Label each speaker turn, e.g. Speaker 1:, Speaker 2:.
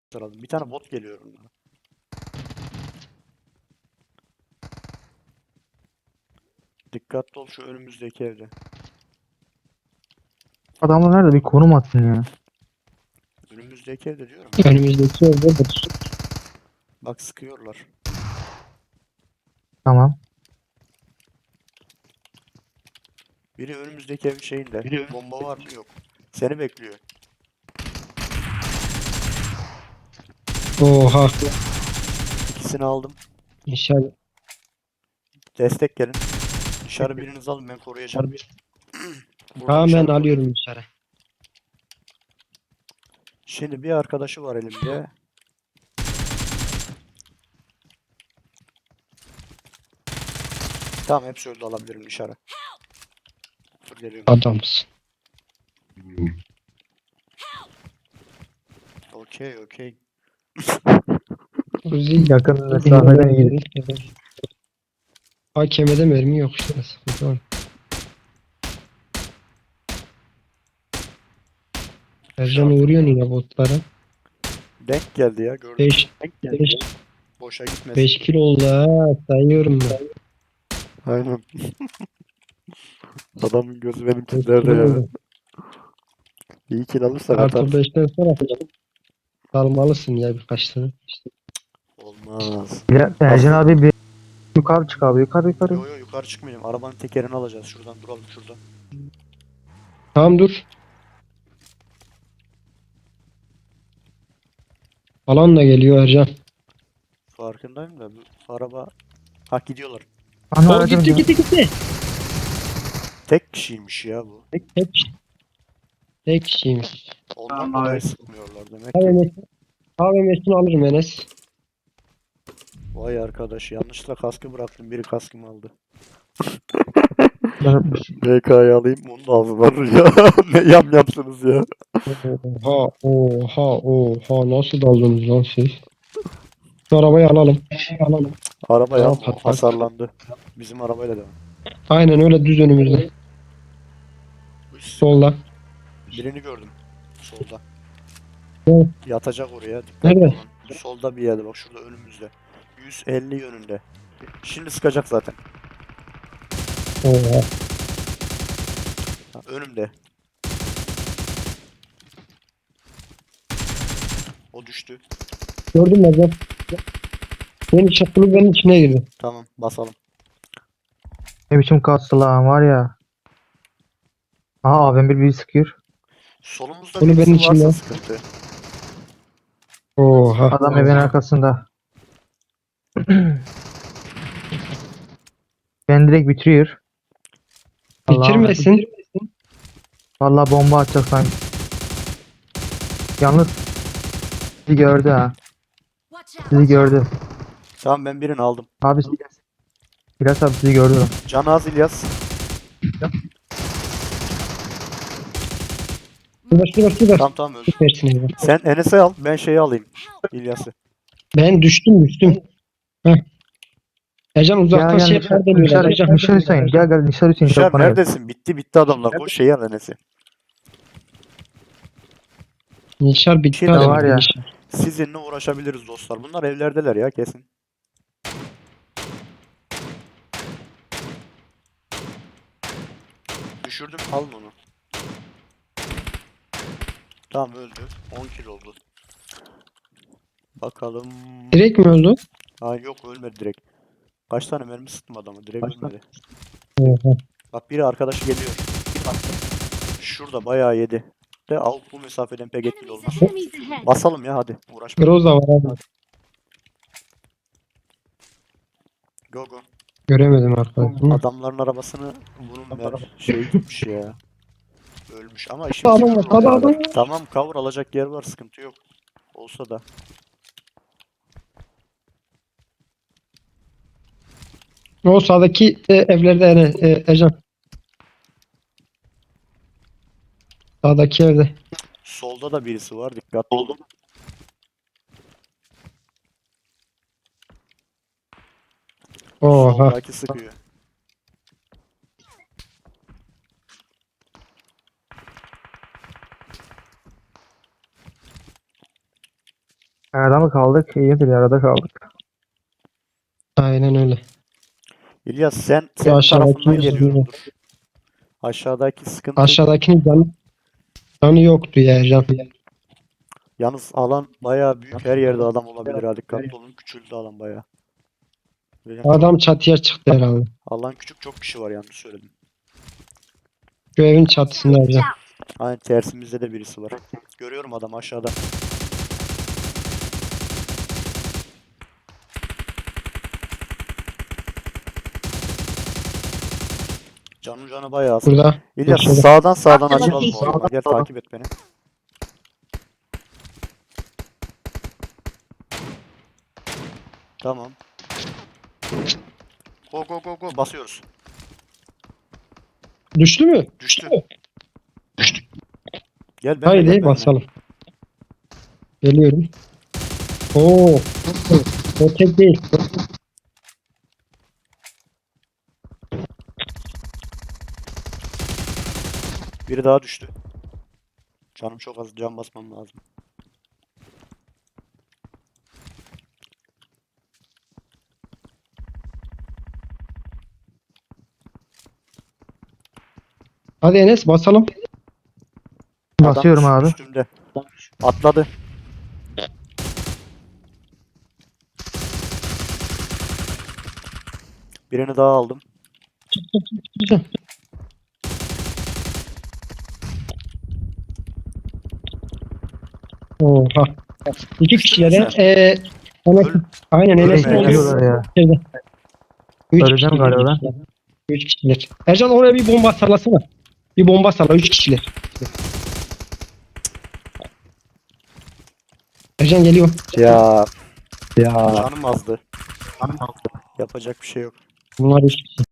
Speaker 1: Sıralım. Bir tane bot geliyor onlara. Dikkatli ol şu önümüzdeki evde.
Speaker 2: Adamlar nerede? Bir konum atsın ya.
Speaker 1: Önümüzdeki evde diyorum ya.
Speaker 3: Önümüzdeki evde
Speaker 1: Bak sıkıyorlar.
Speaker 2: Tamam.
Speaker 1: Biri önümüzdeki evin şeyinde. Bomba var mı? Yok. Seni bekliyor.
Speaker 3: Oha.
Speaker 1: İkisini aldım.
Speaker 3: İnşallah.
Speaker 1: Destek gelin. Dışarı biriniz alın ben koruyacağım. Burada
Speaker 3: Tamam ben
Speaker 1: dışarı koruyorum.
Speaker 3: alıyorum dışarı.
Speaker 1: Şimdi bir arkadaşı var elimde. Tamam hepsi öldü alabilirim dışarı. Dur geliyorum.
Speaker 3: Adamsın.
Speaker 1: Okey.
Speaker 3: Uzi
Speaker 2: Yakın mesafeden iyi.
Speaker 3: AKM'de mermi yok işte. Sıkıntı var. Ercan uğruyor yine botlara.
Speaker 1: Denk geldi ya gördüm.
Speaker 3: 5
Speaker 1: Boşa gitmesin.
Speaker 3: 5 kilo oldu ha. Sayıyorum ben.
Speaker 1: Aynen. Adamın gözü benim
Speaker 3: 5
Speaker 1: kimlerde
Speaker 3: kilo
Speaker 1: ya.
Speaker 3: oldu.
Speaker 1: İyi kill alırsak
Speaker 3: Artı
Speaker 1: atarız.
Speaker 3: 5'ten sonra salmalısın ya birkaç tane.
Speaker 1: Olmaz.
Speaker 2: Ercan abi bir yukarı çık abi. Yukarı.
Speaker 1: Yo yukarı çıkmayacağım. Arabanın tekerini alacağız. Şuradan duralım şurada.
Speaker 3: Tamam dur. Alan da geliyor Ercan.
Speaker 1: Farkındayım da bu araba... Ha gidiyorlar.
Speaker 2: Ana
Speaker 3: O
Speaker 2: aracım ya.
Speaker 3: gitti.
Speaker 1: Tek kişiymiş ya bu.
Speaker 3: Tek kişiymiş.
Speaker 1: Ondan dolayı sıkmıyorlar demek ki.
Speaker 3: AVM'sini alırım Enes.
Speaker 1: Vay arkadaş yanlışlıkla kaskı bıraktım. Biri kaskımı aldı.
Speaker 2: Ben-
Speaker 1: BK'yı alayım onun ağzından ya. Ne yapsınız ya.
Speaker 3: Oha nasıl daldınız lan siz? Şu arabayı alalım.
Speaker 1: Araba
Speaker 3: Tamam,
Speaker 1: ya
Speaker 3: patlak.
Speaker 1: hasarlandı. Bizim arabayla devam.
Speaker 3: Aynen öyle düz önümüzde. Solda.
Speaker 1: Birini gördüm. Solda.
Speaker 3: Evet.
Speaker 1: Yatacak oraya. Dikkatli
Speaker 3: Nerede?
Speaker 1: olun. Solda bir yerde bak şurada önümüzde. 150 yönünde. Şimdi sıkacak zaten.
Speaker 3: Oha.
Speaker 1: Ha, önümde. O düştü.
Speaker 3: Gördün mü Ercan? Benim içine girdi.
Speaker 1: Tamam basalım.
Speaker 2: Ne biçim kastı lan var ya. Aha abim bir sıkıyor.
Speaker 1: Solumuzda
Speaker 3: Bunu
Speaker 1: birisi
Speaker 3: benim
Speaker 1: varsa
Speaker 3: içimden.
Speaker 1: sıkıntı.
Speaker 3: Oha.
Speaker 2: Adam evin arkasında. Ben direkt bitiriyor.
Speaker 3: Bitirmesin.
Speaker 2: Vallahi bomba atacak sanki. Yalnız bizi gördü ha. Bizi gördü.
Speaker 1: Tamam ben birini aldım.
Speaker 2: Abi İlyas abi bizi gördü.
Speaker 1: Can az İlyas.
Speaker 3: Şurada.
Speaker 1: Tamam öldü.
Speaker 3: Versin Ercan.
Speaker 1: Sen Enes'i al ben şeyi alayım. İlyas'ı.
Speaker 3: Ben düştüm. Heh. Ercan uzaktan
Speaker 2: Gel
Speaker 3: şey
Speaker 2: Nişar,
Speaker 3: yapar
Speaker 2: Nişar,
Speaker 3: Ercan.
Speaker 2: Nişar Hüseyin. Gel Nişar Hüseyin.
Speaker 1: Nişar
Speaker 2: Çabuk bana gel.
Speaker 1: neredesin? Bitti adamlar. Koş şeyi al Enes'i.
Speaker 3: Nişar bitti
Speaker 1: Şey de
Speaker 3: adam.
Speaker 2: var ya.
Speaker 3: Nişar.
Speaker 1: Sizinle uğraşabiliriz dostlar. Bunlar evlerdeler ya kesin. Düşürdüm alın onu. Tamam öldü. 10 kilo oldu. Bakalım.
Speaker 3: Direkt mi öldü?
Speaker 1: Ha yok ölmedi direkt. Kaç tane mermi sıktım adamı direkt ölmedi.
Speaker 3: Oha.
Speaker 1: Bak biri arkadaşı geliyor. Şurada bayağı yedi. De avuk bu mesafeden pek etkili olmaz. Basalım ya hadi uğraşma.
Speaker 3: Groza var abi.
Speaker 1: Go go.
Speaker 3: Göremedim arkadaşım.
Speaker 1: Adamların arabasını bunun şey gitmiş ya. Ölmüş ama işimiz
Speaker 3: Adam var,
Speaker 1: görür o
Speaker 3: adam
Speaker 1: kadar.
Speaker 3: var.
Speaker 1: Tamam cover alacak yer var sıkıntı yok. Olsa da.
Speaker 3: O sağdaki evlerde Ercan. Sağdaki evde.
Speaker 1: Solda da birisi var dikkatli olun.
Speaker 3: Oha.
Speaker 1: Soldaki sıkıyor.
Speaker 2: Arada mı kaldık? İyidir arada kaldık.
Speaker 3: Aynen öyle.
Speaker 1: İlyas sen senin
Speaker 3: aşağıdaki
Speaker 1: tarafından
Speaker 3: yüzünden.
Speaker 1: geliyorumdur. Aşağıdaki sıkıntı.
Speaker 3: Aşağıdakinin canı yoktu ya Ercan.
Speaker 1: Yalnız alan bayağı büyük. Her yerde adam olabilir ha. Dikkatli olun. Küçüldü alan bayağı. Benim çok-
Speaker 3: Adam çatıya çıktı herhalde.
Speaker 1: alan küçük, çok kişi var, yanlış söyledim.
Speaker 3: Şu evin çatısında Ercan.
Speaker 1: Aynen, tersimizde de birisi var. Görüyorum adam aşağıda. Canı bayağı az.
Speaker 3: Burada.
Speaker 1: İlyas
Speaker 3: Şöyle.
Speaker 1: sağdan açılalım oyuna. Gel takip et beni. Tamam. Go basıyoruz.
Speaker 3: Düştü mü?
Speaker 1: Düştü. Gel
Speaker 3: Haydi
Speaker 1: benimle.
Speaker 3: basalım. Geliyorum. Oo. O tek değil.
Speaker 1: Biri daha düştü. Canım çok az, can basmam lazım.
Speaker 3: Hadi Enes basalım.
Speaker 2: Basıyorum
Speaker 1: Adam
Speaker 2: abi.
Speaker 1: üstümde. Atladı. Birini daha aldım.
Speaker 3: Oha. İki kişiyle
Speaker 1: Düştün mü
Speaker 3: de Enes,
Speaker 1: Öl-
Speaker 3: aynen Enes'in
Speaker 1: Ölme,
Speaker 3: oluyor.
Speaker 2: Bekliyorlar ya.
Speaker 3: Üç
Speaker 2: Öleceğim
Speaker 3: kişiler.
Speaker 2: galiba.
Speaker 3: 3 kişiler. Ercan oraya bir bomba sallasana. Bir bomba salla 3 kişiler. Ercan geliyor.
Speaker 1: Ya canım azdı. Yapacak bir şey yok.
Speaker 3: Bunlar 3 kişi.